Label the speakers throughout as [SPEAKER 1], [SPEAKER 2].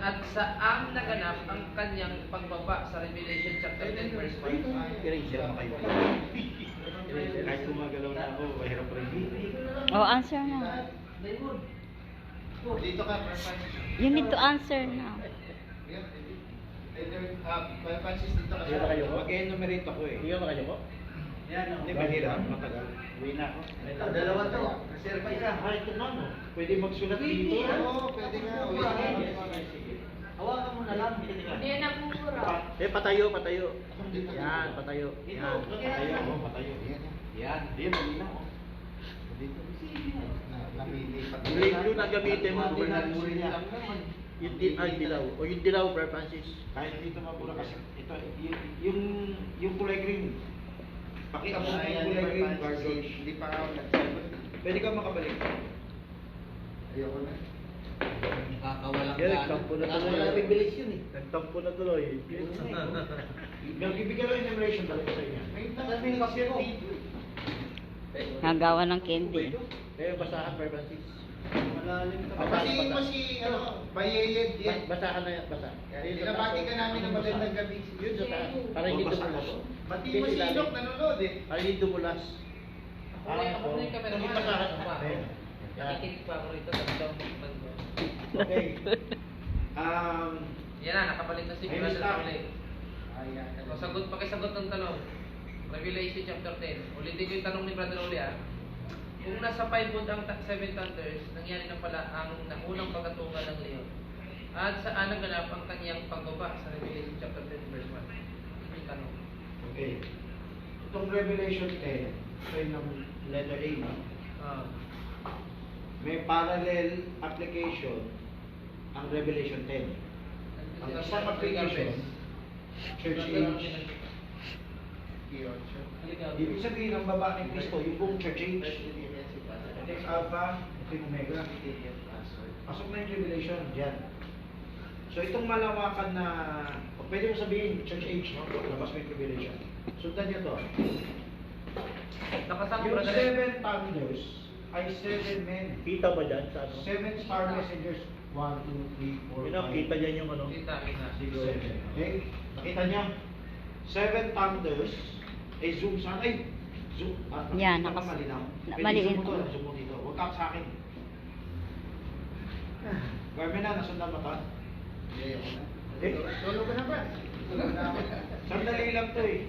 [SPEAKER 1] At saang naganap ang kanyang pagbaba sa Revelation chapter 10 verse 1.
[SPEAKER 2] Eraser mo kayo. Kahit gumagalaw na ako, mahirap rin.
[SPEAKER 3] Oh, answer na.
[SPEAKER 4] Dito ka,
[SPEAKER 3] You need to answer now.
[SPEAKER 4] Francis, dito ka.
[SPEAKER 2] Hindi na kayo ko? Mag-enumerate ako eh. Hindi ka kayo ko?
[SPEAKER 4] Yan,
[SPEAKER 2] Hindi, mahirap. Matagal. Uwi na ako.
[SPEAKER 4] Ito, dalawa to. Reserva isa.
[SPEAKER 2] Ay, ito na no. Pwede magsulat dito.
[SPEAKER 4] Oo, pwede nga. Uwi na.
[SPEAKER 2] Hawakan mo na lang.
[SPEAKER 5] Hindi na pupura.
[SPEAKER 2] Eh, patayo, patayo. Yan, patayo. Yan, patayo. Oh, patayo. Yan. Yan, malinaw. Oh.
[SPEAKER 4] Dito. Namilipat.
[SPEAKER 2] Yung na gamitin mo, gobernador niya. Yung dilaw. O yung dilaw, Brother Francis. Kahit dito mabura kasi ito, yung kulay green. Pakiabot mo yung kulay green, Brother George.
[SPEAKER 4] Hindi pa ako nagsagot.
[SPEAKER 2] Pwede ka makabalik.
[SPEAKER 4] Ayoko na.
[SPEAKER 1] Nakakawalang
[SPEAKER 2] Yan, nagtampo na tuloy.
[SPEAKER 4] Nakakawalang bilis yun eh.
[SPEAKER 2] Nagtampo na tuloy. Nagbibigyan lang enumeration talaga sa inyo.
[SPEAKER 4] Sabi ng kasi ko.
[SPEAKER 3] Nagawa ng candy.
[SPEAKER 2] Eh, basahan, Brother Francis.
[SPEAKER 4] Malalim ka. Papatiin mo si, Bayeyed yan.
[SPEAKER 2] Basahan na yan, basa.
[SPEAKER 4] Binabati ka namin ng magandang gabi.
[SPEAKER 2] Yun sa taas. Para hindi dumulas.
[SPEAKER 4] Batiin mo si Inok, nanonood eh.
[SPEAKER 2] Para hindi dumulas.
[SPEAKER 1] Ako na yung camera.
[SPEAKER 2] Hindi basahan. Yan.
[SPEAKER 1] Nakikinig pa ako rito. Nagdawang
[SPEAKER 2] Okay.
[SPEAKER 1] Yan na, nakabalik na si
[SPEAKER 2] Ay,
[SPEAKER 1] Brother
[SPEAKER 2] stop.
[SPEAKER 1] Pauli. O, sagot, pakisagot ng tanong. Revelation chapter 10. Ulitin ko yung tanong ni Brother Uli ah. Kung nasa 5 wood ang 7 thunders, nangyari na pala ang naunang pagkatungal ng leon. At saan naganap ang kanyang pagbaba sa Revelation chapter 10 verse 1? Ito yung tanong.
[SPEAKER 2] Okay. Itong Revelation 10, ito yung letter A, no? May parallel application ang Revelation 10. Ang isang application, Church Age. Ibig sabihin ng baba ni Cristo, yung buong Church Age. Ito yung Alpha, ito yung Omega. Pasok na yung Revelation, dyan. So itong malawakan na, pwede mo sabihin, Church Age, no? Labas mo yung Revelation. Sundan nyo to.
[SPEAKER 1] Nakasama
[SPEAKER 2] Yung
[SPEAKER 1] Brother
[SPEAKER 2] 7 thunders ay 7 men.
[SPEAKER 6] Kita ba dyan sa ano?
[SPEAKER 2] 7 star messengers. 1, 2, 3, 4, 5.
[SPEAKER 6] Yun ang kita dyan yung ano?
[SPEAKER 1] Kita.
[SPEAKER 2] 6, 7. Okay? Nakita niyo? 7 thunders. Eh, zoom saan? Ay! Zoom.
[SPEAKER 3] Yan,
[SPEAKER 2] nakita
[SPEAKER 3] nakas-
[SPEAKER 2] mo malinaw.
[SPEAKER 3] na-
[SPEAKER 2] Pwede
[SPEAKER 3] maliit.
[SPEAKER 2] zoom mo to. Zoom mo dito. Huwag ka sa akin. Garmin na, nasundan mo to?
[SPEAKER 4] Ayoko na.
[SPEAKER 2] Eh,
[SPEAKER 4] Tulog ka na ba? Tulog na ako.
[SPEAKER 2] sandali lang to eh.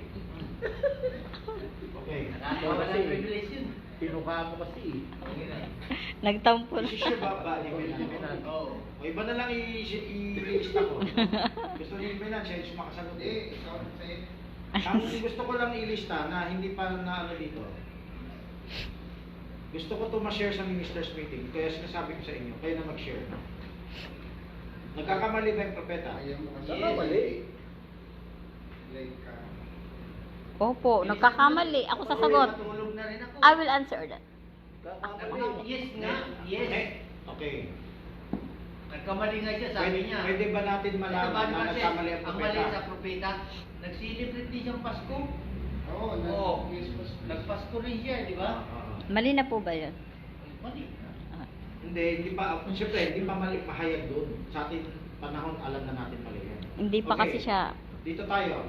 [SPEAKER 2] Okay.
[SPEAKER 1] Nakakawala ng revelation.
[SPEAKER 6] Pinuka mo kasi eh.
[SPEAKER 3] Nagtampo
[SPEAKER 2] This is your
[SPEAKER 3] na.
[SPEAKER 2] baba ni Minan.
[SPEAKER 4] Oo.
[SPEAKER 2] O iba na lang i-lista ko. Gusto ni Minan, siya yung makasagot eh.
[SPEAKER 4] Hindi, ikaw sa'yo.
[SPEAKER 2] Ang gusto ko lang ilista na hindi pa na ano dito. Gusto ko to ma-share sa ministers meeting. Kaya sinasabi ko sa inyo, kayo na mag-share. Nagkakamali ba yung propeta?
[SPEAKER 4] Ayaw mo kasi.
[SPEAKER 6] Tama, mali.
[SPEAKER 4] Like,
[SPEAKER 3] Opo, nagkakamali. Ako sasagot.
[SPEAKER 4] Matulog na rin ako.
[SPEAKER 3] I will answer that.
[SPEAKER 4] Yes nga, yes.
[SPEAKER 2] Eh, okay.
[SPEAKER 4] Nagkamali nga siya, sabi niya.
[SPEAKER 2] Pwede ba natin malaman
[SPEAKER 4] Nagkamali
[SPEAKER 2] na
[SPEAKER 4] ba siya?
[SPEAKER 2] nagkamali ang
[SPEAKER 4] Ang mali
[SPEAKER 2] propeta?
[SPEAKER 4] sa propeta. Nag-celebrate din siyang Pasko.
[SPEAKER 7] Oo,
[SPEAKER 4] Oo. Nagpasko rin siya, di ba?
[SPEAKER 3] Mali na po ba yun?
[SPEAKER 4] Mali.
[SPEAKER 3] Ah.
[SPEAKER 2] Hindi pa, siyempre, hindi pa mali, mahayag doon. Sa ating panahon, alam na natin mali yan.
[SPEAKER 3] Hindi pa kasi siya
[SPEAKER 2] Dito tayo.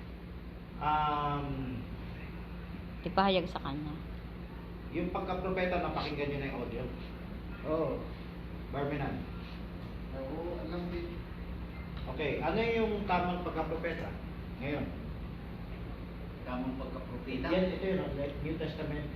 [SPEAKER 3] ipahayag sa kanya.
[SPEAKER 2] Yung pagka-propeta, napakinggan nyo na yung audio.
[SPEAKER 6] Oo.
[SPEAKER 2] Barmenan.
[SPEAKER 7] Oo, alam din.
[SPEAKER 2] Okay, ano yung tamang pagka-propeta? Ngayon.
[SPEAKER 4] Tamang pagka-propeta.
[SPEAKER 2] Yan, ito yun, like New Testament,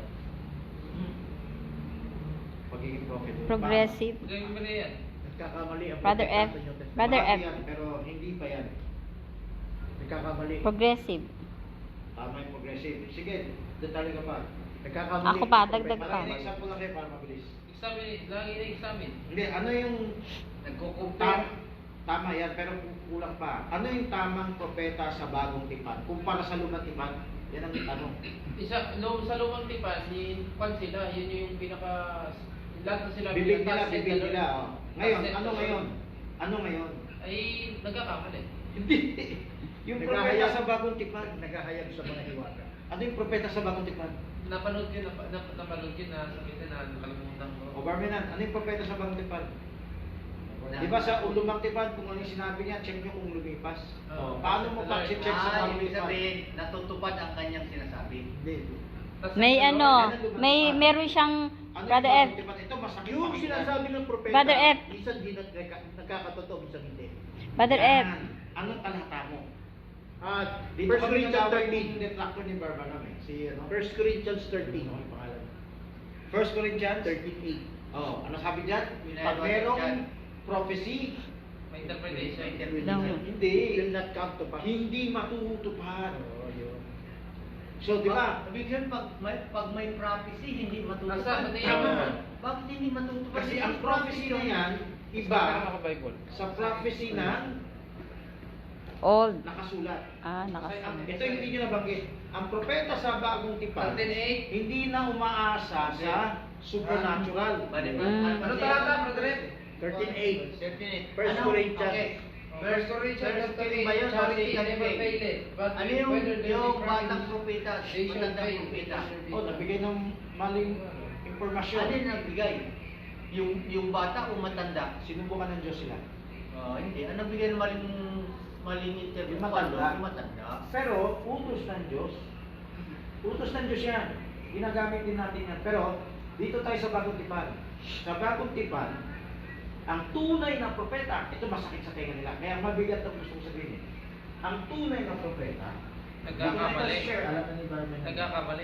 [SPEAKER 2] pagiging prophet.
[SPEAKER 3] Progressive.
[SPEAKER 1] Gawin mo na yan.
[SPEAKER 6] Nagkakamali ang
[SPEAKER 3] Brother
[SPEAKER 6] propeta
[SPEAKER 3] F.
[SPEAKER 6] sa New Testament.
[SPEAKER 3] Brother
[SPEAKER 2] Bahagi
[SPEAKER 3] F.
[SPEAKER 2] yan, pero hindi pa yan.
[SPEAKER 6] Nagkakamali.
[SPEAKER 3] Progressive.
[SPEAKER 2] Tama yung progressive. Sige, detalye ka pa.
[SPEAKER 6] Nagkakamali.
[SPEAKER 3] Ako pa,
[SPEAKER 6] ang propeta.
[SPEAKER 3] dagdag pa.
[SPEAKER 2] Marami na example lang kayo para mabilis.
[SPEAKER 1] Examine, lagi na examine.
[SPEAKER 2] Hindi, ano yung
[SPEAKER 4] Nagkukumpare.
[SPEAKER 2] tama yan, pero kulang pa. Ano yung tamang propeta sa bagong tipan? Kumpara sa lumang tipan, yan ang tanong.
[SPEAKER 1] Sa lumang tipan, Juan sila, yun yung pinaka... Lahat na sila
[SPEAKER 2] Bibig nila,
[SPEAKER 1] pinaka-
[SPEAKER 2] bibig nila. Oh. Ngayon,
[SPEAKER 1] Set
[SPEAKER 2] ano
[SPEAKER 1] na-
[SPEAKER 2] ngayon? Ano ngayon?
[SPEAKER 1] Ay, nagkakamali.
[SPEAKER 2] Hindi. Yung propeta
[SPEAKER 6] Naghahayag-
[SPEAKER 2] sa bagong tipan.
[SPEAKER 6] Naghahayag sa mga hiwaga.
[SPEAKER 2] Ano yung propeta sa bagong tipan?
[SPEAKER 1] Napanood ko na sabihin na nakalimutan ko.
[SPEAKER 2] O Barmenan, ano yung propeta sa bagong tipan? Di ba sa lumang tipan, kung ano yung sinabi niya, check nyo kung lumipas.
[SPEAKER 1] Oo.
[SPEAKER 2] Paano mo pa check sa mga
[SPEAKER 4] Ibig
[SPEAKER 2] lumipas?
[SPEAKER 4] sabihin, natutupad ang kanyang sinasabi.
[SPEAKER 6] Hindi.
[SPEAKER 1] Tas
[SPEAKER 3] May
[SPEAKER 1] sa
[SPEAKER 3] ano,
[SPEAKER 1] kaloob,
[SPEAKER 3] meron siyang,
[SPEAKER 2] Ano
[SPEAKER 3] Brother
[SPEAKER 2] yung
[SPEAKER 3] F,
[SPEAKER 2] lumang tipan? Ito masakit
[SPEAKER 6] Yung
[SPEAKER 2] pakinggan.
[SPEAKER 6] sinasabi ng propeta,
[SPEAKER 3] Brother F.
[SPEAKER 6] minsan di nagkakatotoo, minsan hindi.
[SPEAKER 3] Brother F,
[SPEAKER 2] Yan. Anong talata mo? Dito
[SPEAKER 6] 1
[SPEAKER 2] kami
[SPEAKER 6] Corinthians
[SPEAKER 2] nag-away
[SPEAKER 6] 13.
[SPEAKER 2] yung detractor ni Barbanam eh. Si ano?
[SPEAKER 6] 1 Corinthians 13.
[SPEAKER 2] Ano yung pangalan? 1 Corinthians
[SPEAKER 6] 13:8.
[SPEAKER 2] Oh, ano sabi diyan?
[SPEAKER 4] Pinayad
[SPEAKER 2] Pag
[SPEAKER 4] mo
[SPEAKER 2] merong
[SPEAKER 4] dyan.
[SPEAKER 2] prophecy,
[SPEAKER 1] may interpretation.
[SPEAKER 2] hindi,
[SPEAKER 6] Will not come to pass.
[SPEAKER 2] hindi matutupad.
[SPEAKER 6] Oo, yun.
[SPEAKER 2] So, di ba?
[SPEAKER 4] Ibig sabihin, pag may prophecy, hindi matutupad.
[SPEAKER 1] Nasa, ano yan?
[SPEAKER 2] Tama.
[SPEAKER 4] Bakit hindi matutupad?
[SPEAKER 2] Kasi ang prophecy na yan,
[SPEAKER 1] Iba.
[SPEAKER 2] iba sa prophecy na
[SPEAKER 3] old.
[SPEAKER 2] nakasulat.
[SPEAKER 3] Nakasunod.
[SPEAKER 2] Ito yung hindi nyo nabanggit. Ang propeta sa bagong tipan,
[SPEAKER 1] 13:8.
[SPEAKER 2] hindi na umaasa sa supernatural.
[SPEAKER 1] Ano talata, Brother Ed?
[SPEAKER 6] 13:8. 1
[SPEAKER 4] Ano?
[SPEAKER 6] Corinthians.
[SPEAKER 4] Okay.
[SPEAKER 1] First Corinthians
[SPEAKER 4] First
[SPEAKER 1] chapter 8,
[SPEAKER 4] ba yun?
[SPEAKER 1] charity
[SPEAKER 4] Second
[SPEAKER 1] never
[SPEAKER 4] faith.
[SPEAKER 1] faileth, but
[SPEAKER 4] Ano
[SPEAKER 1] whether they
[SPEAKER 4] yung
[SPEAKER 1] be
[SPEAKER 4] batang
[SPEAKER 1] promised,
[SPEAKER 4] propeta?
[SPEAKER 1] they shall
[SPEAKER 4] Matandang
[SPEAKER 1] fail.
[SPEAKER 4] propeta.
[SPEAKER 2] Oh, nagbigay ng maling impormasyon.
[SPEAKER 4] Ano yung nagbigay? Yung bata o matanda?
[SPEAKER 2] Sinubukan ng Diyos sila.
[SPEAKER 4] Hindi. Ano nagbigay ng maling interview?
[SPEAKER 2] Yung matanda.
[SPEAKER 4] Yung matanda.
[SPEAKER 2] Pero, utos ng Diyos. Utos ng Diyos yan. Ginagamit din natin yan. Pero, dito tayo sa bagong tipan. Sa bagong tipan, ang tunay na propeta, ito masakit sa tenga nila. Kaya mabigat ang gusto ko sabihin. Ang tunay na propeta,
[SPEAKER 1] Nagkakamali.
[SPEAKER 6] Alam na ni Barman.
[SPEAKER 1] Nagkakamali.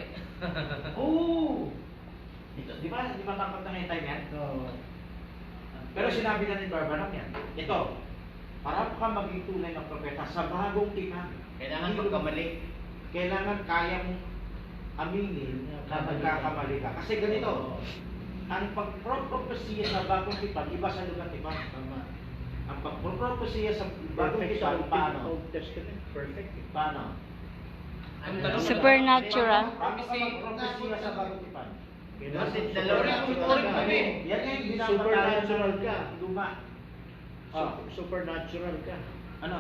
[SPEAKER 2] Oo! Ito, di ba tangkap na ngayon time yan?
[SPEAKER 6] Oo.
[SPEAKER 2] Pero sinabi na ni Barbanam yan. Ito, para ka maging tunay na propeta sa bagong tipan.
[SPEAKER 4] Kailangan magkamali.
[SPEAKER 2] Kailangan kayang aminin na nagkakamali ka. Kasi ganito, ang pagpropropesiya sa bagong tipan, iba sa lumang tipan.
[SPEAKER 6] Tama.
[SPEAKER 2] Ang pagpropropesiya sa bagong
[SPEAKER 6] Perfect sa
[SPEAKER 2] tipan, paano?
[SPEAKER 6] Old Testament. Perfect.
[SPEAKER 2] Paano?
[SPEAKER 1] Ang tanong,
[SPEAKER 3] Supernatural.
[SPEAKER 2] Paano ka magpropesiya sa bagong tipan?
[SPEAKER 4] Kasi dalawa
[SPEAKER 1] Ulit kami.
[SPEAKER 2] Yan yung binabatayan
[SPEAKER 6] Supernatural ka.
[SPEAKER 2] ng luma. Oh,
[SPEAKER 6] Supernatural ka.
[SPEAKER 2] ano?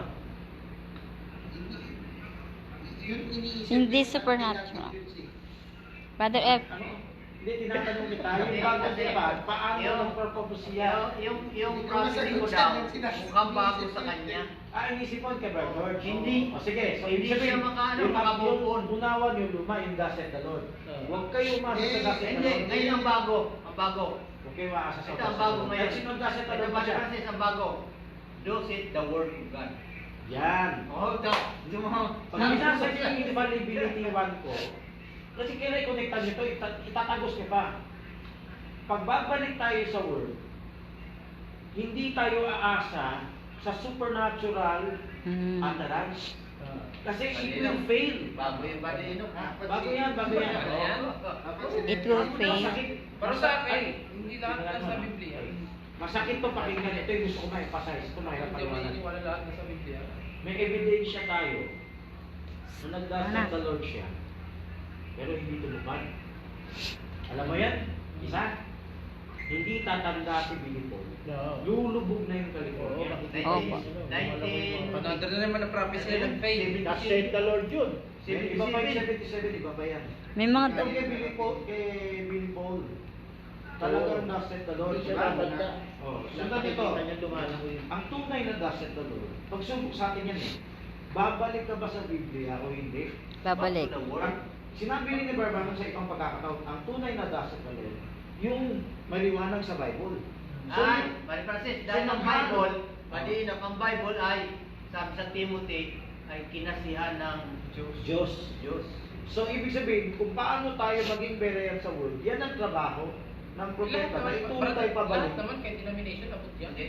[SPEAKER 3] Hindi supernatural. Brother F,
[SPEAKER 2] Ano? Hindi, tinatanong kita, yung bagong tipan, paano magpropesiya?
[SPEAKER 4] Yung prophecy ko daw, mukhang bago sa kanya.
[SPEAKER 2] Inisipon ka ba, George?
[SPEAKER 4] Hindi.
[SPEAKER 2] O sige, so
[SPEAKER 4] Hindi
[SPEAKER 2] ibig sabihin,
[SPEAKER 4] siya makaano,
[SPEAKER 2] yung
[SPEAKER 4] makabukon.
[SPEAKER 2] unawan yung luma, yung thus said the Lord. Huwag kayo umasa sa thus said the
[SPEAKER 4] Hindi,
[SPEAKER 2] Lord.
[SPEAKER 4] ngayon ang bago. Ang bago.
[SPEAKER 2] Huwag kayo umasa sa
[SPEAKER 4] Ito
[SPEAKER 2] thus
[SPEAKER 4] ang
[SPEAKER 2] said
[SPEAKER 4] bago
[SPEAKER 2] the Lord.
[SPEAKER 4] ngayon.
[SPEAKER 2] At sino ang thus said the
[SPEAKER 4] Ito
[SPEAKER 2] Lord
[SPEAKER 4] ba
[SPEAKER 2] ba siya?
[SPEAKER 4] kasi ang bago? Thus it the word of God.
[SPEAKER 2] Yan.
[SPEAKER 4] Oh, ito.
[SPEAKER 2] Pag binasa niyo yung infallibility 1 ko, kasi kailan i-connectan nyo ito, itatagos niyo pa. Pag babalik tayo sa word, hindi tayo aasa sa supernatural utterance. Kasi it will fail.
[SPEAKER 4] Bago yung balino.
[SPEAKER 2] Bago yan, bago yan.
[SPEAKER 1] Ano yan?
[SPEAKER 3] it will fail.
[SPEAKER 2] Masakit.
[SPEAKER 1] Para sa akin, hindi lahat na sa Biblia.
[SPEAKER 2] Masakit to pakinggan. Ito yung gusto ko ma-emphasize. Ito mahirap
[SPEAKER 1] Hindi mo
[SPEAKER 2] paliwanag.
[SPEAKER 1] naniniwala lahat na sa Biblia.
[SPEAKER 2] May ebidensya tayo na nagdasal sa Lord siya, pero hindi tumupad. Alam mo yan? Isa? Hindi tatanda si Billy Paul.
[SPEAKER 6] No.
[SPEAKER 2] Lulubog na yung California.
[SPEAKER 3] Opo.
[SPEAKER 4] 19...
[SPEAKER 1] Another na naman na prophecy ng faith.
[SPEAKER 6] That's said the Lord yun.
[SPEAKER 2] Iba pa yung 77, iba pa yan.
[SPEAKER 3] May mga
[SPEAKER 2] Ito kay Billy Paul. Talagang naset the Lord.
[SPEAKER 6] Hindi siya tatanda.
[SPEAKER 2] Oh, sundan ito.
[SPEAKER 6] Nakikita niya lumalangoy.
[SPEAKER 2] Ang tunay na naset the Lord, pagsubok sa atin yan eh. Babalik ka ba sa Biblia o hindi?
[SPEAKER 3] babalik.
[SPEAKER 4] Back to the word.
[SPEAKER 2] Sinabi rin ni Barbanam sa ibang pagkakataon, ang tunay na daset the Lord, yung maliwanag sa Bible. So,
[SPEAKER 4] Ay, Mari Francis, dahil ang Bible, maliinap ang Bible ay, sabi sa Timothy, ay kinasihan ng
[SPEAKER 2] Diyos.
[SPEAKER 4] Diyos.
[SPEAKER 2] So, ibig sabihin, kung paano tayo maging berean sa word, yan ang trabaho ng propeta na ituro tayo pabalik.
[SPEAKER 1] Lahat naman kahit denomination, abot yan.
[SPEAKER 4] Hindi,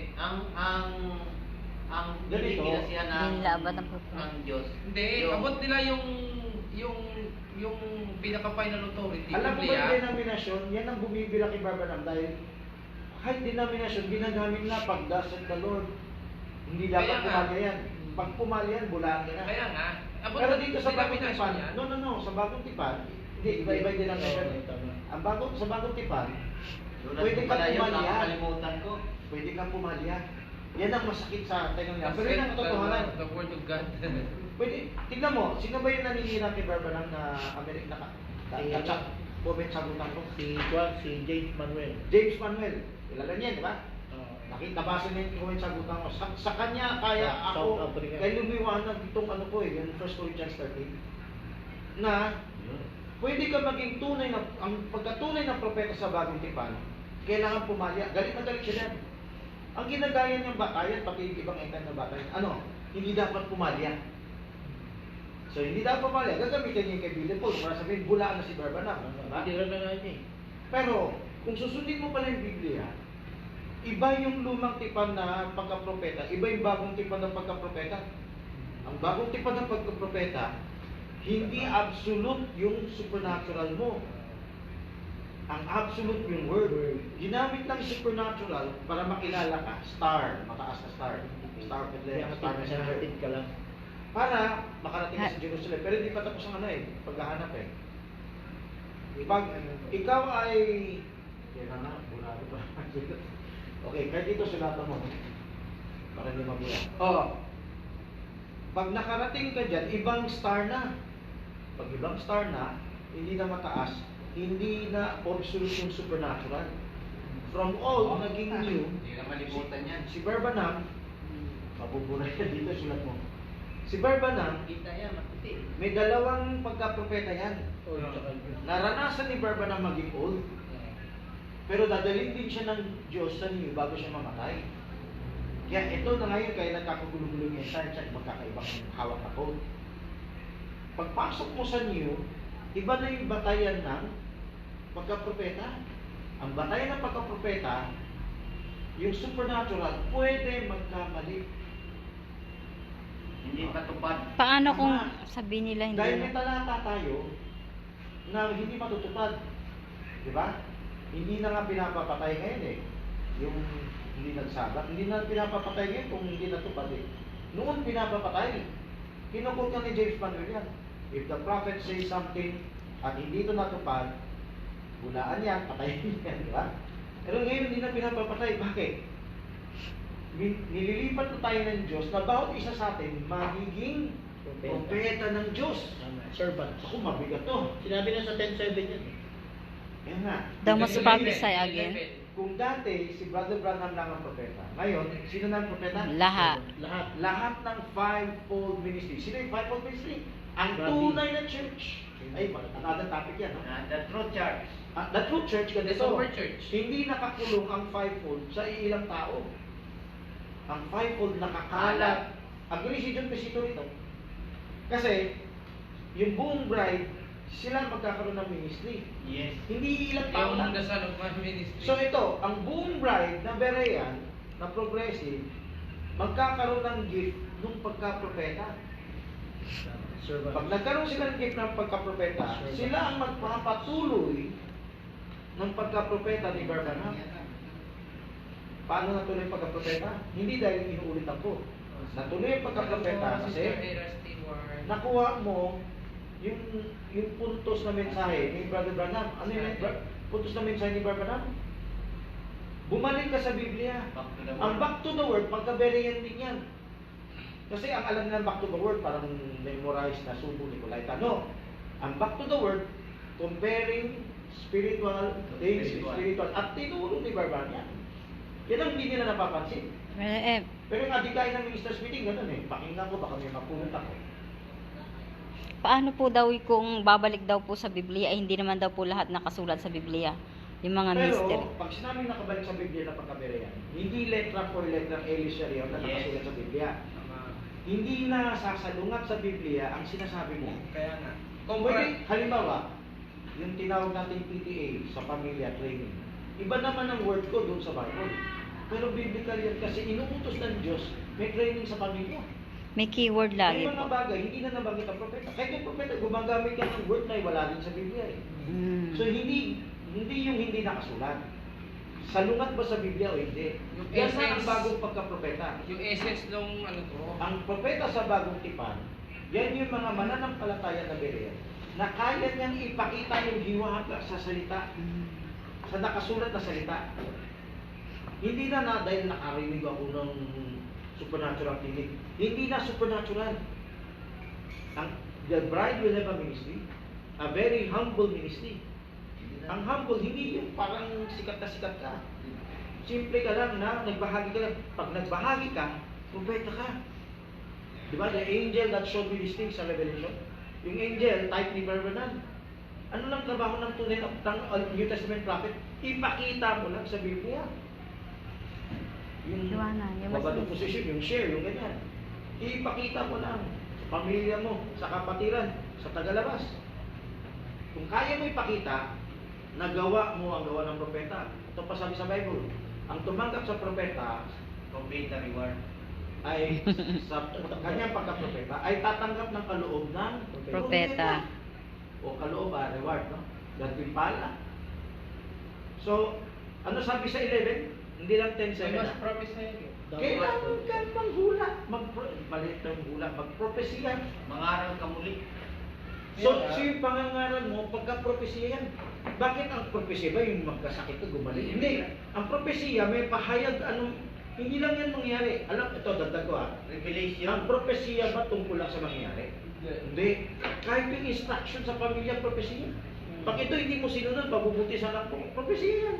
[SPEAKER 4] ang
[SPEAKER 2] Ganito,
[SPEAKER 4] kinasihan ng,
[SPEAKER 3] Hindi nila abot ang propeta.
[SPEAKER 4] ng Diyos.
[SPEAKER 1] Hindi, abot nila yung pinaka-final authority.
[SPEAKER 2] Alam mo ba
[SPEAKER 1] Biblia.
[SPEAKER 2] yung denominasyon, yan ang bumibila kay Barbanam dahil kahit denominasyon, ginagamit na pag daset the Lord. Hindi dapat
[SPEAKER 1] Kaya nga.
[SPEAKER 2] pumalya yan. Pag pumalya yan, bulaan ka na.
[SPEAKER 1] Kaya nga, abot
[SPEAKER 2] Pero
[SPEAKER 1] na
[SPEAKER 2] dito sa bagong
[SPEAKER 1] denomination
[SPEAKER 2] tipan,
[SPEAKER 1] yan.
[SPEAKER 2] no, sa bagong tipan, hindi, iba-iba din ang
[SPEAKER 6] Oo,
[SPEAKER 2] eh.
[SPEAKER 6] tama.
[SPEAKER 2] Sa bagong tipan,
[SPEAKER 4] Tulad
[SPEAKER 2] Pwede
[SPEAKER 4] ko
[SPEAKER 2] ka
[SPEAKER 4] pala yun,
[SPEAKER 2] pumalya.
[SPEAKER 4] nakakalimutan ko.
[SPEAKER 2] pwede kang pumalya. Yan ang masakit sa tengang niya. Pero yun ang katotohanan.
[SPEAKER 1] The word of God.
[SPEAKER 2] Pwede, tignan mo, sino ba yung naninira kay Barbanam na Amerika na kachat? Comment sa butan ko.
[SPEAKER 6] Si James Manuel.
[SPEAKER 2] James Manuel. Kilala niya, di ba?
[SPEAKER 6] Oo.
[SPEAKER 2] Nakita base na yung sagutan ko. Sa kanya, kaya
[SPEAKER 6] South
[SPEAKER 2] ako,
[SPEAKER 6] Africa.
[SPEAKER 2] kaya lumiwanag itong ano ko yung 1 Corinthians 13, na pwede ka maging tunay na, ang pagkatunay ng propeta sa bagong tipan, kailangan pumalya. Galit na galit siya yan. Ang ginagaya niyang batayan, pati yung ibang engkan na batayan, hindi dapat pumalya. So, hindi dapat pumalya. Gagamitin niya yung kay Billy Paul para sabihin, bulaan na si Barbanab. Diba?
[SPEAKER 6] Hindi rin na nga niya eh.
[SPEAKER 2] Pero, kung susundin mo pala yung Biblia, iba yung lumang tipan na pagkapropeta, iba yung bagong tipan ng pagkapropeta. Ang bagong tipan ng pagkapropeta, hindi absolute yung supernatural mo. Ang absolute yung word. Ginamit ng supernatural para makilala ka. Star, mataas na star. Star of Bethlehem, star messenger.
[SPEAKER 6] Hatid ka lang.
[SPEAKER 2] Para makarating ka sa Jerusalem. Pero hindi pa tapos ang paghahanap eh. Pag ikaw ay... Kaya na, burado pa. Okay, kahit dito sulatan mo. Para hindi mabuya. Pag nakarating ka dyan, ibang star na. Pag ibang star na, hindi na mataas, hindi na absolute yung supernatural. From old, naging new.
[SPEAKER 4] Hindi na malimutan yan.
[SPEAKER 2] Si Barbanam, mabubura yan dito, sulat mo. Si Barbanam,
[SPEAKER 4] Kita yan, maputi.
[SPEAKER 2] may dalawang pagkapropeta yan.
[SPEAKER 6] O, tsaka yun.
[SPEAKER 2] Naranasan ni Barbanam maging old, pero dadalhin din siya ng Diyos sa new bago siya mamatay. Kaya ito na ngayon, kaya nagkakagulo-gulo yung science at magkakaibang hawak na code. Pagpasok mo sa new, iba na yung batayan ng pagkapropeta. Ang batayan ng pagkapropeta, yung supernatural, pwede magkamali.
[SPEAKER 4] Hindi patupad.
[SPEAKER 3] Paano kung sabihin nila hindi
[SPEAKER 2] Dahil may
[SPEAKER 3] na?
[SPEAKER 2] talata tayo na hindi matutupad. Di ba? Hindi na nga pinapapatay ngayon eh. Yung hindi nagsabat. Hindi na pinapapatay ngayon kung hindi natupad eh. Noon pinapapatay. Kinukot ka ni James Manuel yan. If the prophet says something at hindi ito natupad, bulaan yan, patayin yan, di ba? Pero ngayon hindi na pinapapatay. Bakit? Nililipat na tayo ng Diyos na bawat isa sa atin magiging propeta ng Diyos.
[SPEAKER 6] Servants.
[SPEAKER 2] Ako, mabigat to.
[SPEAKER 6] Sinabi na sa 10:7 yan eh.
[SPEAKER 2] Yan nga.
[SPEAKER 3] The most
[SPEAKER 2] Ibig sabihin,
[SPEAKER 3] prophesy again.
[SPEAKER 2] Kung dati, si Brother Branham lang ang propeta. Ngayon, sino na ang propeta?
[SPEAKER 3] Lahat.
[SPEAKER 6] Lahat.
[SPEAKER 2] Lahat ng fivefold ministry. Sino yung fivefold ministry? Ang
[SPEAKER 6] Grabe.
[SPEAKER 2] tunay na church. Ay, another topic yan. No?
[SPEAKER 4] The true church.
[SPEAKER 2] The true church,
[SPEAKER 1] The
[SPEAKER 2] ganito.
[SPEAKER 1] super church.
[SPEAKER 2] Hindi nakakulong ang fivefold sa ilang tao. Ang fivefold nakakalat. Agree si John Pesito rito. Kasi, yung buong bride, sila magkakaroon ng ministry.
[SPEAKER 4] Yes.
[SPEAKER 2] Hindi ilang tao
[SPEAKER 1] Yung
[SPEAKER 2] lang.
[SPEAKER 1] the son of man ministry.
[SPEAKER 2] So ito, ang buong bride na Berean, na progressive, magkakaroon ng gift nung pagka-propeta.
[SPEAKER 6] Servants.
[SPEAKER 2] Pag nagkaroon sila ng gift ng pagka-propeta, sila ang magpapatuloy ng pagka-propeta ni Barbanab. Paano natuloy ang pagka-propeta? Hindi dahil inuulit ako. Natuloy ang pagka-propeta kasi nakuha mo yung puntos na mensahe ni Brother Branham. Ano yung puntos na mensahe ni Brother Branham? Bumalik ka sa Biblia. Ang back to the word, pagka-Berean din yan. Kasi ang alam nila back to the word, parang memorize na subo ni Colaita. No. Ang back to the word, comparing spiritual things, spiritual. At tinulong ni Barban yan. Yan ang hindi nila napapansin. Pero yung adikay ng minister's meeting, ganun eh. Pakinggan ko, baka may mapulot ako.
[SPEAKER 3] Paano po daw kung babalik daw po sa Biblia, ay hindi naman daw po lahat nakasulat sa Biblia? Yung mga mystery.
[SPEAKER 2] Pero, pag sinabing nakabalik sa Biblia na pagkaberean, hindi letra for letra Elis Sharia na nakasulat sa Biblia. Hindi na sasalungat sa Biblia ang sinasabi mo.
[SPEAKER 1] Kaya nga.
[SPEAKER 2] Pwede, halimbawa, yung tinawag natin PTA sa pamilya training. Iba naman ang word ko doon sa Bible. Pero biblical yan kasi inuutos ng Diyos, may training sa pamilya.
[SPEAKER 3] May keyword lagi
[SPEAKER 2] May mga
[SPEAKER 3] po.
[SPEAKER 2] bagay, hindi na nabanggit ang propeta. Kahit yung propeta, gumagamit yan ng word na wala din sa Biblia eh. So hindi yung hindi nakasulat. Salungat ba sa Biblia o hindi?
[SPEAKER 1] Yung
[SPEAKER 2] Yan na ang
[SPEAKER 1] essence-
[SPEAKER 2] bagong pagka-propeta.
[SPEAKER 1] Yung essence nung ano to.
[SPEAKER 2] Ang propeta sa bagong tipan, yan yung mga mananampalataya na Berean na kaya niyang ipakita yung hiwaga sa salita, sa nakasulat na salita. Hindi na dahil nakarinig ako ng supernatural tinig. Hindi na supernatural. The bride will have a ministry, a very humble ministry. Ang humble, hindi yung parang sikat na sikat ka. Simple ka lang na nagbahagi ka lang. Pag nagbahagi ka, propeta ka. Di ba? The angel that showed me these things sa Revelation. Yung angel, type ni Barbanan. Ano lang trabaho ng tunay ng New Testament prophet? Ipakita mo lang sa Biblia. Yung
[SPEAKER 3] Liwanag, yung mas-
[SPEAKER 2] babalo position, yung share, yung ganyan. Ipakita mo lang sa pamilya mo, sa kapatiran, sa tagalabas. Kung kaya mo ipakita, nagawa mo ang gawa ng propeta. Ito pa sabi sa Bible, ang tumanggap sa propeta
[SPEAKER 4] Complete the reward.
[SPEAKER 2] ay sa kanyang pagka-propeta ay tatanggap ng kaloob ng
[SPEAKER 3] Propeta.
[SPEAKER 2] o kaloob reward, no? Gantimpala. So, ano sabi sa 11? Hindi lang 10:7.
[SPEAKER 1] May mas promise na yun.
[SPEAKER 2] Kailangan ka manghula, maliit na hula, magpropesiya.
[SPEAKER 4] Mangaral ka muli.
[SPEAKER 2] So yung pangangaral mo, pagka-propesiya yan. Bakit ang propesiya ba yung magkasakit ka, gumaling? Hindi. Ang propesiya may pahayag, hindi lang yan mangyari. Alam, ito, dagdag ko
[SPEAKER 4] Revelation.
[SPEAKER 2] Ang propesiya ba tungkol lang sa mangyari? Hindi. Kahit yung instruction sa pamilya, propesiya. Pag ito hindi mo sinunod, pabubuti sa anak mo, propesiya yan.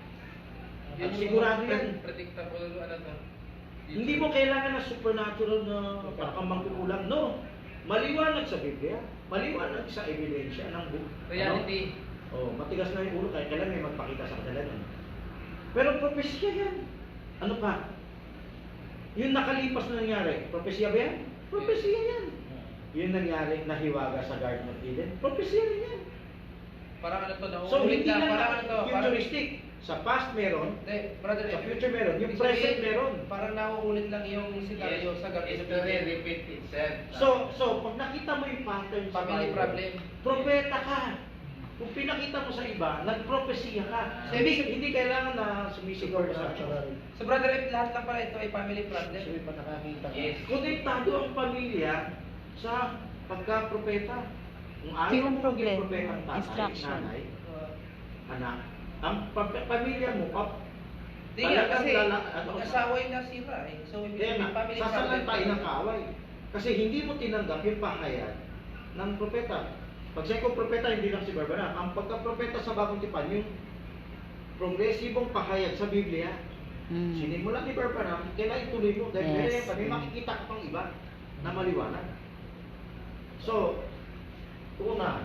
[SPEAKER 2] At sigurado yan.
[SPEAKER 1] Predictable, ano to?
[SPEAKER 2] Hindi mo kailangan ng supernatural na parang mangkukulam. No. Maliwanag sa Biblia. Maliwanag sa ebidensya ng book.
[SPEAKER 1] Reality.
[SPEAKER 2] Matigas na yung ulo kahit kailan may magpakita sa kanila nun. Pero propesya yan. Ano pa? Yung nakalipas na nangyari, propesya ba yan? Propesya yan. Yung nangyari, nahiwaga sa Garden of Eden, propesya rin yan.
[SPEAKER 1] Parang ano to,
[SPEAKER 2] So,
[SPEAKER 1] nauulit
[SPEAKER 2] hindi
[SPEAKER 1] lang.
[SPEAKER 2] lang
[SPEAKER 1] Parang ano to, parang...
[SPEAKER 2] futuristic. Sa past meron,
[SPEAKER 1] Hindi, brother,
[SPEAKER 2] sa future meron, yung
[SPEAKER 1] ibig
[SPEAKER 2] present
[SPEAKER 1] sabihin,
[SPEAKER 2] meron.
[SPEAKER 1] Parang nauulit lang yung scenario sa Garden of
[SPEAKER 4] History
[SPEAKER 1] Eden.
[SPEAKER 4] repeat itself.
[SPEAKER 2] So, pag nakita mo yung pattern sa
[SPEAKER 1] Family
[SPEAKER 2] Bible,
[SPEAKER 1] problem.
[SPEAKER 2] propeta ka. Kung pinakita mo sa iba, nagpropesiya ka. Hindi kailangan na sumisigaw ka sa
[SPEAKER 6] Supernatural.
[SPEAKER 1] So brother, lahat lang pala ito ay family problem.
[SPEAKER 6] So, pa nakakita ka.
[SPEAKER 4] Yes.
[SPEAKER 2] Konektado ang pamilya sa pagka-propeta. Kung ayaw
[SPEAKER 3] Yun ang
[SPEAKER 2] mo maging
[SPEAKER 3] problema.
[SPEAKER 2] propeta ang tatay,
[SPEAKER 3] Instruction.
[SPEAKER 2] nanay, anak, ang pamilya mo,
[SPEAKER 1] Hindi nga, kasi
[SPEAKER 2] ano,
[SPEAKER 1] asawa yung nasira eh. So, ibig
[SPEAKER 2] kaya
[SPEAKER 1] sabihin,
[SPEAKER 2] nga,
[SPEAKER 1] family
[SPEAKER 2] sasalan tayo
[SPEAKER 1] problem.
[SPEAKER 2] ng kaaway. Kasi hindi mo tinanggap yung pahayag ng propeta. Pag sabi ko propeta, hindi lang si Barbara. Ang pagka-propeta sa Bagong Tipan, yung progresibong pahayag sa Biblia, sinimulan ni Barbara, kailangan ituloy mo. Dahil
[SPEAKER 3] Yes.
[SPEAKER 2] may makikita ka pang iba na maliwanag. So, una,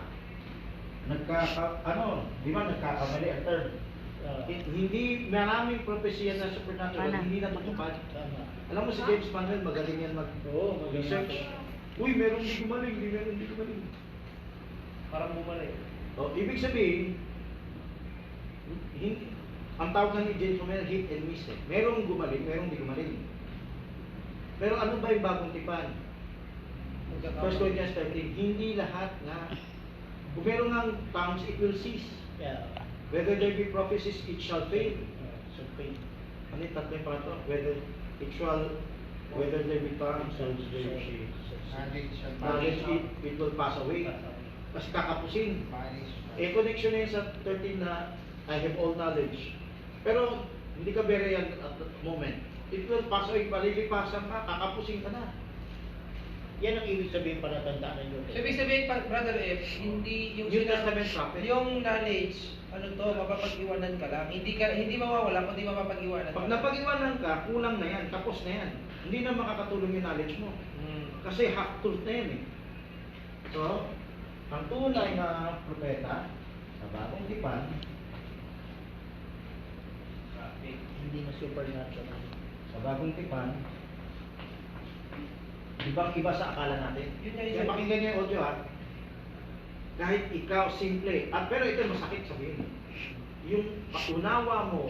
[SPEAKER 2] di ba nagkakamali ang term? Hindi maraming propesya na supernatural,
[SPEAKER 3] Ana.
[SPEAKER 2] hindi natutupad.
[SPEAKER 6] Tama.
[SPEAKER 2] Alam mo si James Manuel, magaling yan
[SPEAKER 6] Oo, magaling
[SPEAKER 2] mag-research.
[SPEAKER 6] ako.
[SPEAKER 2] Uy, meron di gumaling, meron di gumaling.
[SPEAKER 1] Parang bumalik.
[SPEAKER 2] Ibig sabihin, ang tawag nga ni James Manuel, hit and miss eh. Merong gumaling, merong di gumaling. Pero ano ba yung Bagong Tipan? 1 Corinthians 13, hindi lahat nga. Kung meron nga tongues, it will cease.
[SPEAKER 6] Yeah.
[SPEAKER 2] Whether there be prophecies, it shall fail.
[SPEAKER 6] So, faith.
[SPEAKER 2] Ano yung tatlo yung pangatlo? Whether there be tongues, knowledge, it will pass away. Kasi kakapusin. Connection na yun sa 13 na I have all knowledge. Pero hindi ka bere yan at that moment. It will pass away, palilipasan ka, kakapusin ka na.
[SPEAKER 6] Yan ang ibig sabihin para tandaan nyo.
[SPEAKER 1] So, ibig sabihin, brother F, hindi yung
[SPEAKER 2] New Testament prophet.
[SPEAKER 1] yung knowledge, ano to, mapapag-iwanan ka lang. Hindi mawawala, kundi mapapag-iwanan
[SPEAKER 2] Pag napag-iwanan ka, kulang na yan, tapos na yan. Hindi na makakatulong yung knowledge mo. Kasi half truth na yan eh. So, ang tunay na propeta sa Bagong Tipan,
[SPEAKER 6] Hindi na supernatural.
[SPEAKER 2] sa Bagong Tipan, di ba ang iba sa akala natin?
[SPEAKER 1] Yun nga,
[SPEAKER 2] Kaya pakinggan niyo yung audio ha. Kahit ikaw simple, pero ito masakit sabihin. Yung unawa mo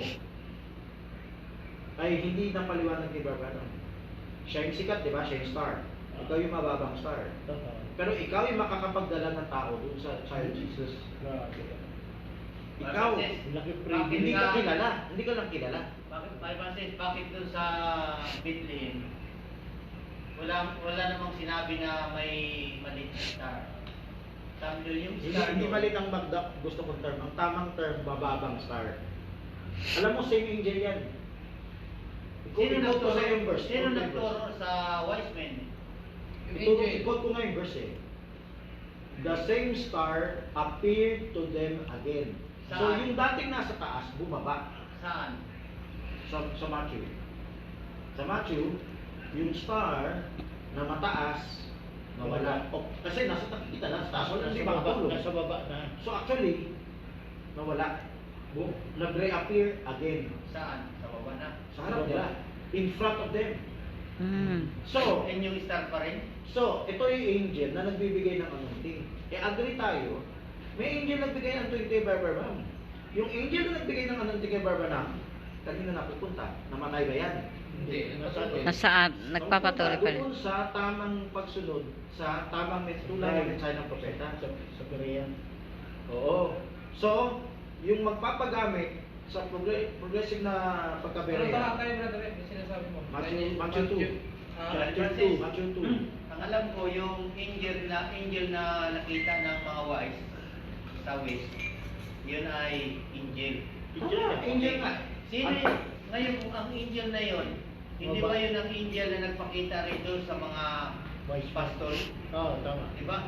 [SPEAKER 2] ay hindi napaliwanag ni Barbara. Siya yung sikat, di ba? Siya yung star. Ikaw yung mababang star.
[SPEAKER 6] Tama.
[SPEAKER 2] Pero ikaw yung makakapagdala ng tao dun sa child Jesus.
[SPEAKER 6] Grabe.
[SPEAKER 2] Ikaw,
[SPEAKER 6] Laki
[SPEAKER 2] hindi
[SPEAKER 6] privilege.
[SPEAKER 2] ka kilala. Hindi ka lang kilala.
[SPEAKER 4] Bakit dun sa Bethlehem, wala namang sinabi na may maliit na star. Sabi doon yung star
[SPEAKER 2] Hindi
[SPEAKER 4] doon.
[SPEAKER 2] mali ang gusto kong term. Ang tamang term, bababang star. Alam mo, same angel yan.
[SPEAKER 4] Sino
[SPEAKER 2] Ikot ko sa yung verse.
[SPEAKER 4] Sino
[SPEAKER 2] Ikot ko yung
[SPEAKER 4] nagturo
[SPEAKER 2] verse.
[SPEAKER 4] sa wise men?
[SPEAKER 1] Yung
[SPEAKER 2] Ikot
[SPEAKER 1] angel.
[SPEAKER 2] ko nga yung verse eh. The same star appeared to them again. So
[SPEAKER 4] Saan?
[SPEAKER 2] yung dating nasa taas, bumaba.
[SPEAKER 4] Saan?
[SPEAKER 2] sa Matthew. Sa Matthew, yung star na mataas, nawala.
[SPEAKER 6] Oh,
[SPEAKER 2] Kasi nakikita lang sa taas, wala
[SPEAKER 6] nasa
[SPEAKER 2] hindi
[SPEAKER 6] baba,
[SPEAKER 2] makatulog.
[SPEAKER 6] nasa baba na.
[SPEAKER 2] So actually, nawala. Nag-reappear again.
[SPEAKER 4] Saan? Sa baba na.
[SPEAKER 2] Sa harap nila. In front of them.
[SPEAKER 3] Mm.
[SPEAKER 2] So,
[SPEAKER 4] And yung star pa rin?
[SPEAKER 2] So, ito yung angel na nagbibigay ng anointing. Eh, agree tayo, may angel nagbigay ng anointing kay Barbanam. Yung angel na nagbigay ng anointing kay Barbanam, kanina napupunta, namatay ba yan?
[SPEAKER 1] Hindi.
[SPEAKER 3] Nasaan? Nagpapatuloy pa rin.
[SPEAKER 2] Doon sa tamang pagsunod, sa tamang tulad ng mensahe ng propeta.
[SPEAKER 6] Sa Korea.
[SPEAKER 2] Oo. So, yung magpapagamit sa progressive na
[SPEAKER 1] Pero
[SPEAKER 2] pagkabereya,
[SPEAKER 1] baka tayo, brother, yung sinasabi mo.
[SPEAKER 2] Matthew 2.
[SPEAKER 1] Ah,
[SPEAKER 2] Matthew 2.
[SPEAKER 4] Ang alam ko, yung angel na nakita ng mga wise sa west, yun ay angel.
[SPEAKER 2] Angel nga.
[SPEAKER 4] Sino yun? Ngayon, kung ang angel na yun, hindi ba yun ang angel na nagpakita rin doon sa mga
[SPEAKER 6] Wise
[SPEAKER 4] pastor?
[SPEAKER 6] Oo, tama.
[SPEAKER 4] Di ba?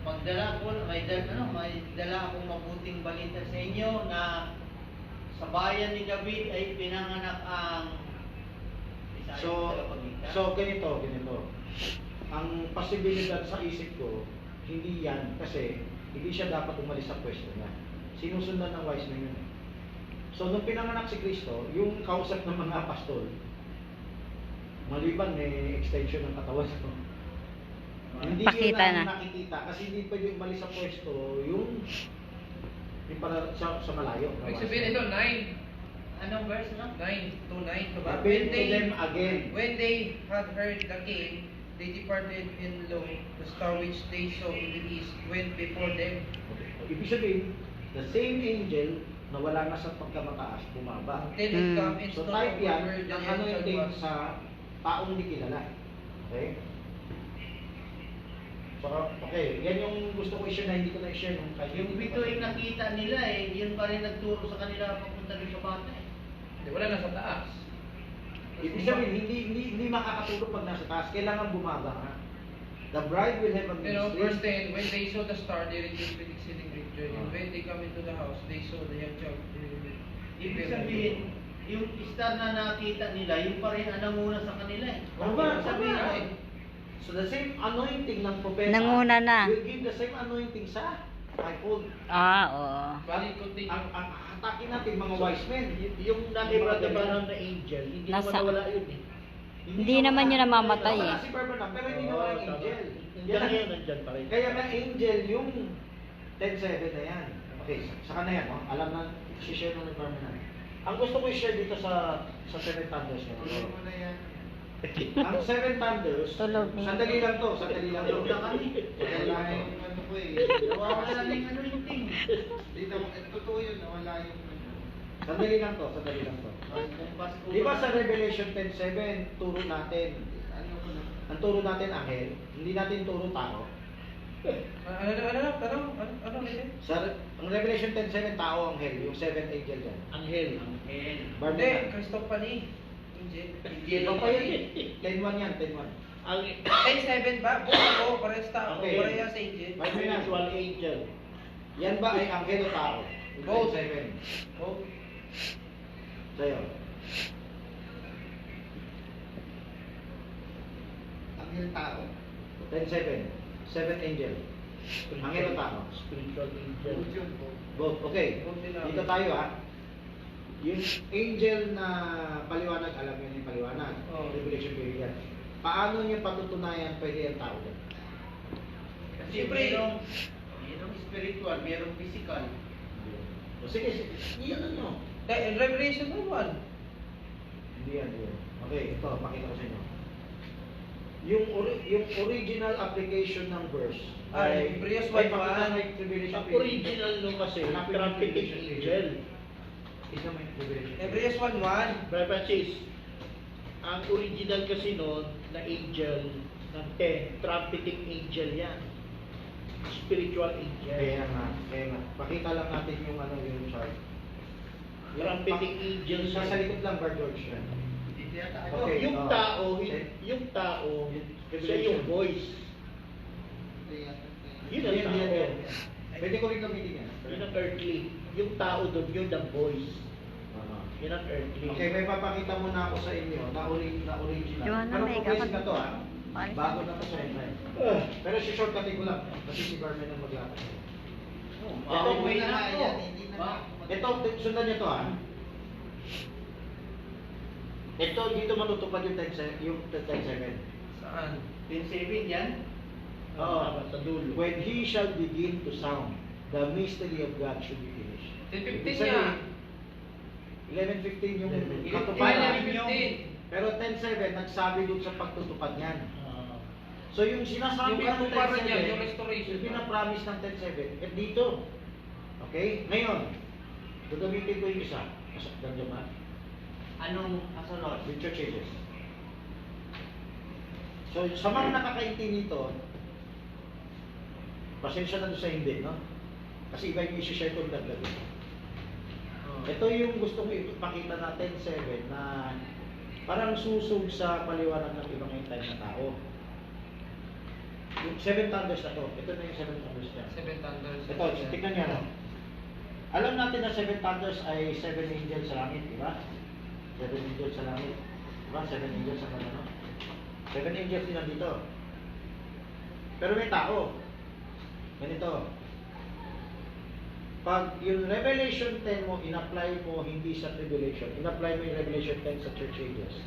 [SPEAKER 4] May dala akong mabuting balita sa inyo na sa bayan ni David ay pinanganak ang
[SPEAKER 2] So ganito. Ang posibilidad sa isip ko, hindi yan kasi hindi siya dapat umalis sa pwesto niya. Sinusundan ng wise men yun. So nung pinanganak si Kristo, yung kausap ng mga pastol, maliban may extension ng katawan ko. Hindi yun
[SPEAKER 3] Pakita
[SPEAKER 2] ang
[SPEAKER 3] na.
[SPEAKER 2] nakikita kasi hindi pwede umalis sa pwesto yung para sa malayo. na
[SPEAKER 1] Ibig
[SPEAKER 2] wise
[SPEAKER 1] sabihin
[SPEAKER 2] men.
[SPEAKER 1] ito, 9.
[SPEAKER 4] Anong verse na?
[SPEAKER 1] 9 to 9, diba?
[SPEAKER 2] Appeal to them again.
[SPEAKER 1] When they had heard the king, they departed, and lo, the star which they saw in the east went before them.
[SPEAKER 2] Ibig sabihin, the same angel na wala na sa pagkamataas, bumaba.
[SPEAKER 1] Until it
[SPEAKER 3] Mm.
[SPEAKER 1] come and
[SPEAKER 2] So
[SPEAKER 1] stood
[SPEAKER 2] type
[SPEAKER 1] over
[SPEAKER 2] yan
[SPEAKER 1] where the
[SPEAKER 2] ng ano yung
[SPEAKER 1] angel
[SPEAKER 2] thing
[SPEAKER 1] was.
[SPEAKER 2] sa taong di kilala. Okay? So, okay, yan yung gusto ko i-share na hindi ko na-share nung kahit
[SPEAKER 4] Yung
[SPEAKER 2] hindi
[SPEAKER 4] bito
[SPEAKER 2] ko
[SPEAKER 4] yung
[SPEAKER 2] pa-
[SPEAKER 4] nakita nila yun pa rin nagturo sa kanila papunta doon sa bata
[SPEAKER 1] Hindi, wala na sa taas.
[SPEAKER 2] Ibig sabihin, hindi makakatulog pag nasa taas. Kailangan bumaba ka. The bride will have a
[SPEAKER 1] You know, verse
[SPEAKER 2] ministry.
[SPEAKER 1] 10, when they saw the star, they rejoiced with exceeding great joy. And when they come into the house, they saw the young child.
[SPEAKER 4] Ibig sabihin, yung star na nakita nila, yung pa rin ang nanguna sa kanila eh.
[SPEAKER 2] Tama,
[SPEAKER 4] Ibig sabihin,
[SPEAKER 2] tama. So the same anointing ng propeta
[SPEAKER 3] Nanguna na.
[SPEAKER 2] will give the same anointing sa fivefold.
[SPEAKER 3] Ah, oo.
[SPEAKER 1] Balik continue.
[SPEAKER 2] Ang atake natin mga wise men.
[SPEAKER 6] Yung nakibra na angel, hindi naman
[SPEAKER 3] Nasa-
[SPEAKER 6] nawala yun eh.
[SPEAKER 3] Hindi naman yun namamatay
[SPEAKER 2] Wala
[SPEAKER 3] eh.
[SPEAKER 2] si Barbanam, pero hindi nawala ang angel.
[SPEAKER 6] Nandiyan na yan, nandiyan pa rin.
[SPEAKER 2] Kaya nga angel yung 10-7 na yan. Okay, saka na yan. No? Alam na, i-share na ng Barbanam. Ang gusto ko i-share dito sa 7 thunders. No?
[SPEAKER 7] Tuloy mo na yan.
[SPEAKER 2] Ang 7 thunders,
[SPEAKER 3] Tulog.
[SPEAKER 2] sandali lang to, sandali lang to.
[SPEAKER 4] Tulog na kami.
[SPEAKER 7] Wala yung ano ko eh.
[SPEAKER 4] nawawala na yung ano yung ting.
[SPEAKER 7] Dito, totoo yun, nawala yung ano.
[SPEAKER 2] Sandali lang to, sandali lang to. Di ba sa Revelation 10:7, turo natin,
[SPEAKER 7] Ano ko na.
[SPEAKER 2] ang turo natin anghel, hindi natin turo tao.
[SPEAKER 1] Ano ulit?
[SPEAKER 2] Ang Revelation 10:7, tao anghel, yung 7th angel dyan.
[SPEAKER 6] Anghel.
[SPEAKER 1] Hindi,
[SPEAKER 2] Barbanam.
[SPEAKER 1] Christophany. Angel.
[SPEAKER 2] Iba pa yun eh. 10:1 yan, 10:1.
[SPEAKER 6] Ang
[SPEAKER 1] 10-7 ba? Buo, parehas tao.
[SPEAKER 2] Okay.
[SPEAKER 1] Parehas angel.
[SPEAKER 6] spiritual angel.
[SPEAKER 2] Yan ba ay anghel o tao? Yung
[SPEAKER 1] Both.
[SPEAKER 2] 10:7.
[SPEAKER 1] Oh,
[SPEAKER 2] Sa'yo.
[SPEAKER 7] Anghel tao.
[SPEAKER 2] 10:7. 7th angel. Anghel o tao?
[SPEAKER 6] Spiritual angel.
[SPEAKER 7] Good yun po.
[SPEAKER 2] Both. Okay.
[SPEAKER 1] Both din
[SPEAKER 2] Dito tayo Yung angel na paliwanag, alam niyo yung paliwanag.
[SPEAKER 1] Oo.
[SPEAKER 2] Revelation period. Paano niya patutunayan pwede ang tao yan?
[SPEAKER 4] Kasi
[SPEAKER 1] Siyempre,
[SPEAKER 4] merong spiritual, merong physical.
[SPEAKER 2] O sige, iyan nyo.
[SPEAKER 1] Revelation 1.
[SPEAKER 2] Hindi yan. Okay, ito, pakita ko sa inyo. Yung original application ng verse
[SPEAKER 1] Ay, Hebrews 1:1.
[SPEAKER 2] pakita mo yung Revelation
[SPEAKER 6] Ang original nung kasi, trumpeting angel.
[SPEAKER 2] Isa mo yung Revelation.
[SPEAKER 1] Hebrews 1:1.
[SPEAKER 6] Brother Francis, ang original kasi noon na angel ng 10, trumpeting angel yan. Spiritual angel.
[SPEAKER 2] Kaya nga. Pakita lang natin yung yung chart.
[SPEAKER 6] Trumpeting angel
[SPEAKER 2] Yung nasa likod lang, Bar George yan.
[SPEAKER 7] Dito yata
[SPEAKER 6] Ano,
[SPEAKER 7] ako.
[SPEAKER 2] Okay,
[SPEAKER 6] yung
[SPEAKER 2] oh.
[SPEAKER 6] tao,
[SPEAKER 2] Okay.
[SPEAKER 6] yung tao, siya
[SPEAKER 2] Revelation.
[SPEAKER 6] yung voice.
[SPEAKER 7] Dito yata.
[SPEAKER 6] Yun ang
[SPEAKER 2] Yan,
[SPEAKER 6] tao.
[SPEAKER 2] yan, yan. Pwede ko rin gamitin yan.
[SPEAKER 6] Yun ang earthly. Yung tao doon, yun ang voice. Yan ang earthly.
[SPEAKER 2] Okay, may papakita muna ako sa inyo na original.
[SPEAKER 3] Yung ano,
[SPEAKER 2] Pero
[SPEAKER 3] may
[SPEAKER 2] progressive na
[SPEAKER 3] kapag-
[SPEAKER 2] to ha.
[SPEAKER 3] Paalis
[SPEAKER 2] Bago
[SPEAKER 3] na.
[SPEAKER 2] na to sa inyo. Pero si shortcutin ko lang. Kasi si Barman ang maglakad.
[SPEAKER 4] Ito,
[SPEAKER 7] Hindi
[SPEAKER 4] may
[SPEAKER 7] na
[SPEAKER 4] na
[SPEAKER 7] nga
[SPEAKER 4] to.
[SPEAKER 7] yan, hindi na
[SPEAKER 4] Ba?
[SPEAKER 7] nga.
[SPEAKER 2] Ito, sundan niyo to ha. Ito, dito matutupad yung 10-7.
[SPEAKER 1] Saan?
[SPEAKER 4] 10-7 yan?
[SPEAKER 2] Oo.
[SPEAKER 6] Sa dulo.
[SPEAKER 2] When he shall begin to sound, the mystery of God should be finished.
[SPEAKER 1] 10:15
[SPEAKER 2] Ibig sabihin,
[SPEAKER 1] niya.
[SPEAKER 2] 11:15 yung
[SPEAKER 4] 11:15.
[SPEAKER 2] katuparan.
[SPEAKER 1] 11:15.
[SPEAKER 2] Pero 10:7 nagsabi doon sa pagtutupad niyan.
[SPEAKER 6] Ah,
[SPEAKER 2] So yung sinasabi
[SPEAKER 1] Yung
[SPEAKER 2] ng
[SPEAKER 1] katuparan
[SPEAKER 2] 10:7,
[SPEAKER 1] niya, yung restoration.
[SPEAKER 2] yung pinapromise ng 10:7, eh dito. Okay? Ngayon, gagamitin ko yung isa. Ganyan ba?
[SPEAKER 4] Anong kasunod?
[SPEAKER 2] With church ages. So sa mga nakakaintindi nito, pasensya na doon sa hindi, no? Kasi iba yung isi-share ko dagdag. Ito yung gusto ko ipakita natin, 7, na parang susog sa paliwanag ng ibang time na tao. Yung 7 thunders na to, ito na yung 7 thunders niya.
[SPEAKER 1] 7 thunders.
[SPEAKER 2] Ito, tignan niya, no? Alam natin na 7 thunders ay 7 angels sa langit, di ba? 7 angels sa langit. Di ba? 7 angels sa ano? 7 angels din nandito. Pero may tao. Ganito. Pag yung Revelation 10 mo, in-apply mo hindi sa tribulation, in-apply mo yung Revelation 10 sa church ages.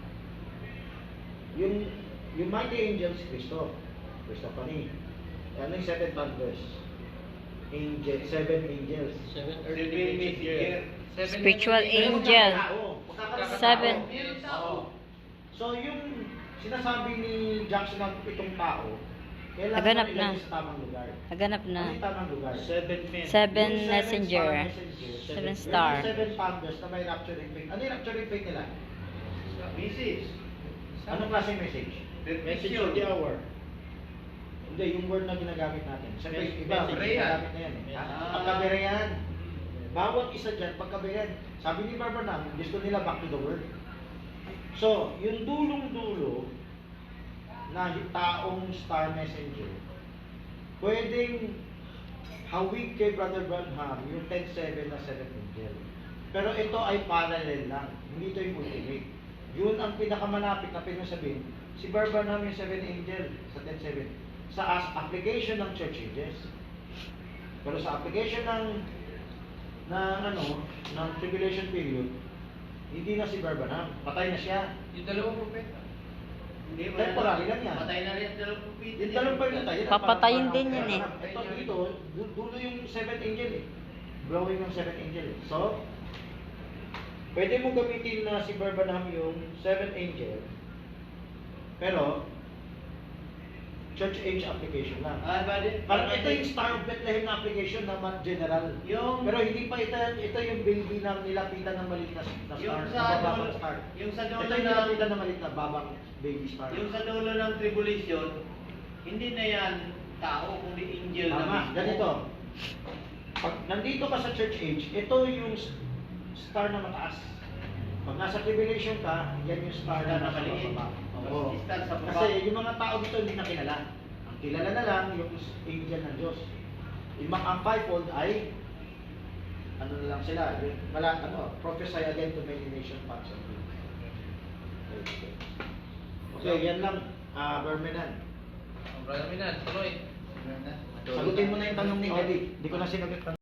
[SPEAKER 2] Yung mighty angels, Christophany. Ano yung 7 thunders? Angel, 7 angels.
[SPEAKER 6] 7
[SPEAKER 4] Seven
[SPEAKER 6] earthly
[SPEAKER 4] messenger.
[SPEAKER 6] messenger.
[SPEAKER 3] Spiritual
[SPEAKER 2] Pero
[SPEAKER 3] angel.
[SPEAKER 2] magkakaroon ng
[SPEAKER 3] Seven.
[SPEAKER 2] tao. Oo. So yung sinasabi ni Jackson ng itong tao, kailangan
[SPEAKER 3] Naganap
[SPEAKER 2] ilagay
[SPEAKER 3] na.
[SPEAKER 2] sa tamang lugar.
[SPEAKER 3] Naganap
[SPEAKER 2] Ano
[SPEAKER 3] na.
[SPEAKER 2] yung tamang lugar?
[SPEAKER 6] 7 men.
[SPEAKER 3] Seven
[SPEAKER 2] Yung
[SPEAKER 3] messenger.
[SPEAKER 2] star messenger.
[SPEAKER 3] Seven
[SPEAKER 2] Yung
[SPEAKER 3] star.
[SPEAKER 2] 7 thunders na may rapturing faith. Ano yung rapturing faith nila?
[SPEAKER 4] Message.
[SPEAKER 2] Anong klaseng message?
[SPEAKER 6] Message of the hour.
[SPEAKER 2] Hindi, yung word na ginagamit natin. Siyempre,
[SPEAKER 6] Message.
[SPEAKER 2] iba,
[SPEAKER 6] Message.
[SPEAKER 2] ginagamit na yan.
[SPEAKER 6] Message.
[SPEAKER 2] Pagkaberehan. Bawat isa dyan, pagkaberehan. Sabi ni Barbanam, gusto nila back to the word. So, yung dulong-dulo na taong star messenger, pwedeng hawig kay Brother Branham yung 10-7 na 7 angel. Pero ito ay parallel lang. Hindi ito yung ultimate. Yun ang pinakamalapit na pinasabihin. Si Branham yung 7 angel sa 10-7. Sa application ng church ages. Pero sa application ng tribulation period, hindi na si Branham. Patay na siya.
[SPEAKER 1] Yung dalawang propeta.
[SPEAKER 4] Hindi,
[SPEAKER 2] Temporary lang yan.
[SPEAKER 4] Patay na rin ang dalawang propeta.
[SPEAKER 2] Yung dalawang pa yun tayo.
[SPEAKER 3] Papatayin din yan eh.
[SPEAKER 2] Ito dito, dulo yung 7 angel eh. Blowing ng 7 angel eh. So, pwede mo gamitin na si Branham yung 7 angel, pero, church age application lang. Parang ito yung Star of Bethlehem na application naman general.
[SPEAKER 4] Yung-
[SPEAKER 2] Pero hindi pa ito yung baby na nilapitan ng maliit na star,
[SPEAKER 4] Yung
[SPEAKER 2] na
[SPEAKER 4] sa
[SPEAKER 2] babang
[SPEAKER 4] dulo-
[SPEAKER 2] star.
[SPEAKER 4] yung sa dulo
[SPEAKER 2] Ito yung
[SPEAKER 4] na-
[SPEAKER 2] nilapitan ng maliit na babang baby star.
[SPEAKER 4] Yung sa dulo ng tribulation, hindi na yan tao, kundi angel na
[SPEAKER 2] Tama,
[SPEAKER 4] mismo.
[SPEAKER 2] ganito. Pag nandito ka sa church age, ito yung star na mataas. Pag nasa tribulation ka, yan yung star na nasa
[SPEAKER 4] maliit.
[SPEAKER 2] baba.
[SPEAKER 4] Oo, star sa baba.
[SPEAKER 2] Kasi yung mga tao dito hindi na kilala. Ang kilala na lang yung angel ng Diyos. Yung mga ang fivefold ay ano na lang sila, yung prophesy again to many nations parts of the Okay, yan lang, Bermenan.
[SPEAKER 1] Brother Minan, tuloy.
[SPEAKER 7] Ano na?
[SPEAKER 2] Sagutin mo na yung tanong ni Eddie. Hindi ko na sinagot.